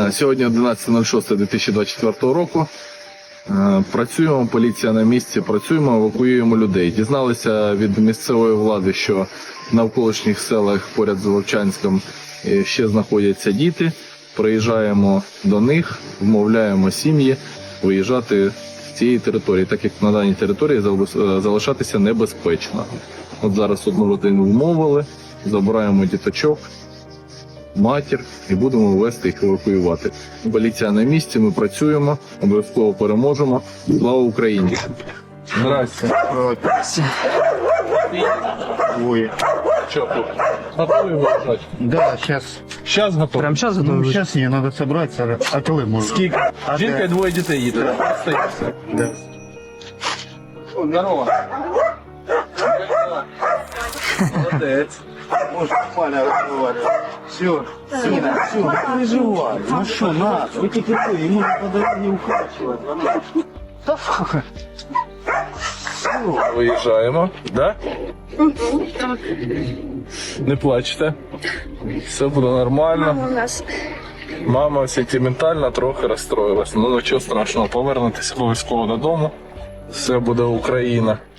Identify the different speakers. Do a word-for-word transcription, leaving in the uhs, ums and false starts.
Speaker 1: Сьогодні одинадцяте шосте дві тисячі двадцять четвертого року. Працюємо, поліція на місці, працюємо, евакуюємо людей. Дізналися від місцевої влади, що в навколишніх селах поряд з Вовчанськом ще знаходяться діти. Приїжджаємо до них, вмовляємо сім'ї виїжджати з цієї території, так як на даній території залишатися небезпечно. От зараз одну родину вмовили, забираємо діточок, матір і будемо вести їх евакуювати. Поліція на місці, ми працюємо, обов'язково переможемо. Слава Україні! Здрасте.
Speaker 2: Ой.
Speaker 1: Що, готові виїжджати?
Speaker 2: Да, сейчас.
Speaker 1: Зараз готові.
Speaker 3: Прям сейчас готовы?
Speaker 2: Ну, сейчас не надо собраться. А коли можна?
Speaker 1: Скільки?
Speaker 2: А
Speaker 1: Жінка
Speaker 2: де?
Speaker 1: і двоє дітей їде.
Speaker 2: Да.
Speaker 1: Здорово. Молодець.
Speaker 2: Можно нормально разговаривать. Все, Сина, все, не переживай. Ну что, на, эти какие, ему по дороге укачивать.
Speaker 1: Виїжджаємо, да? Не плачте. Все буде нормально.
Speaker 4: Мама у нас.
Speaker 1: Мама сентиментально трохи розстроїлась. Ну нічого страшного, повернетеся обов'язково додому. Все буде Україна.